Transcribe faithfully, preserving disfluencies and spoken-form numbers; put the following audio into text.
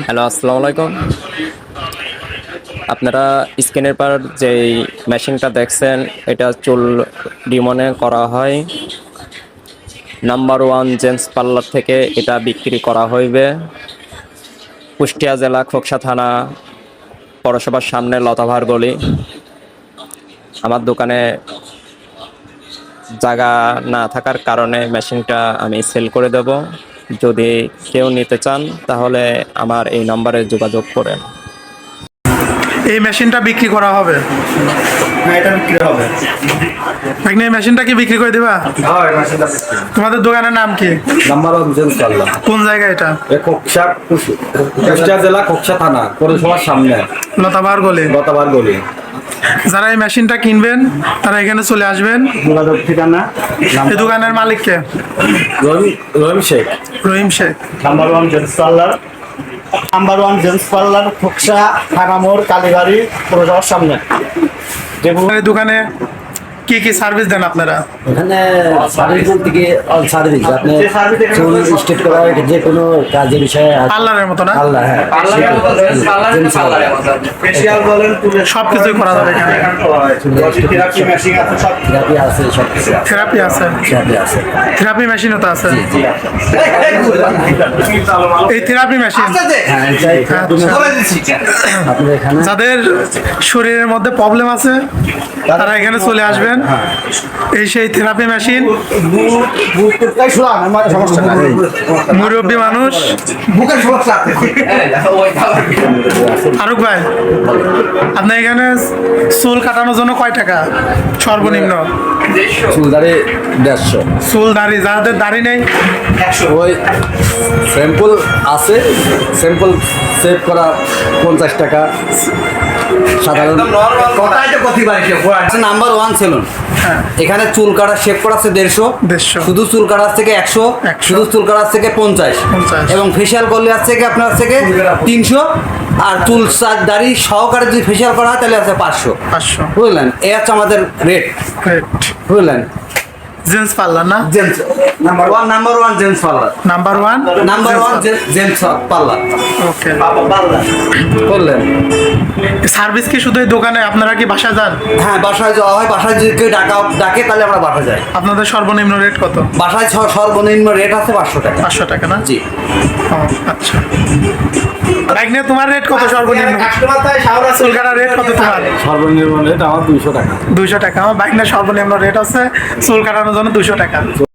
Hello, আসসালামু আলাইকুম। আপনারা স্ক্রিনের পর যেই মেশিনটা দেখছেন, এটা চুল রিমনে করা হয়। নাম্বার ওয়ান জেন্টস পার্লার থেকে এটা বিক্রি করা হইবে। কুষ্টিয়া জেলা খোকসা থানা পৌরসভার সামনে লতাভার গলি। আমার দোকানে জায়গা না থাকার কারণে মেশিনটা আমি সেল করে দেব। যদি কেউ নিতে চান তাহলে আমার এই নম্বরে যোগাযোগ করেন। এই মেশিনটা বিক্রি করা হবে। হ্যাঁ, এটা বিক্রি হবে। ভাগ্নে, এই মেশিনটা কি বিক্রি করে দিবা? হ্যাঁ, এই মেশিনটা বিক্রি। তোমাদের দোকানের নাম কি? Number one gents parlour. কোন জায়গায় এটা? এ খোকসা, কুষ্টিয়া জেলা খোকসা থানা পৌরসভার সামনে লতাবার গলি। গতবার গলি। যারা এই মেশিনটা কিনবেন তারা এখানে চলে আসবেন। যোগাযোগ ঠিকানা এই দোকানের মালিককে? Rahim Rahim Sheikh. Rahim Sheikh. Number one gents parlour. Number one gents parlour Khoksa থানা মোড় কালীবাড়ি পৌরসভার সামনে। এই দোকানে কি কি সার্ভিস দেন আপনারা? এখানে সার্ভিস বলতে কি অল সার্ভিস আপনি চুল স্ট্রেট করা যে কোনো কাজের বিষয়ে পার্লারের মতো না? আল্লাহ হ্যাঁ ফেশিয়াল বলেন, সব কিছুই করা যাবে এখানে। থেরাপি মেশিন আছে, সব থেরাপি আছে সব কিছু আছে। থেরাপি আছে? থেরাপি আছে থেরাপি মেশিনও তো আছে। এই থেরাপি মেশিন হ্যাঁ এটাই থেরাপি মেশিন। আপনি এখানে যাদের শরীরের মধ্যে প্রবলেম আছে তারা এখানে চলে আসবেন। এই সেই থেরাপি মেশিন। সমস্যা নাই। মুরব্বী মানুষ। বুকের সমস্যা আছে। ফারুক ভাই, আপনার এখানে চুল কাটানোর জন্য কয় টাকা সর্বনিম্ন? চুল দাঁড়ি দেড়শো। চুল দাড়ি, যাদের দাড়ি নেই ওই স্যাম্পল আছে, স্যাম্পল সেভ করা পঞ্চাশ টাকা। সাধারণ নাম্বার ওয়ান সেলুন। এখানে চুল কাটা শেভ করা আছে দেড়শো। দেড়শো। শুধু চুল কাটার থেকে একশো। একশো। শুধু চুল কাটার থেকে পঞ্চাশ। পঞ্চাশ। এবং ফেসিয়াল করলে আছে থেকে আপনার থেকে তিনশো। আর চুল সার দাড়ি সহকারে যদি ফেসিয়াল করা হয় তাহলে আছে পাঁচশো। পাঁচশো। বুঝলেন, এই হচ্ছে আমাদের রেট। বুঝলেন, জেন্টস পার্লার না? Gents number one number one gents parlour. Number one number one gents parlour. Okay. বললেন সার্ভিস কি শুধু এই দোকানে? আপনারা কি বাসায় যান? হ্যাঁ, বাসায় যাওয়া হয়। বাসায় যদি কেউ ডাকা ডাকে তাহলে আমরা বাসায় যাই। আপনাদের সর্বনিম্ন রেট কত? বাসায় ছ- সর্বনিম্ন রেট আছে পাঁচশো টাকা। পাঁচশো টাকা না? জি। ও আচ্ছা। ভাগ্নে, তোমার রেট কত সর্বনিম্ন? চুল কাটার রেট কত তোমার? সর্বনিম্ন রেট আমার দুইশো টাকা। দুইশো টাকা। আমার ভাগ্নের সর্বনিম্ন রেট আছে চুল কাটানোর জন্য দুইশো টাকা।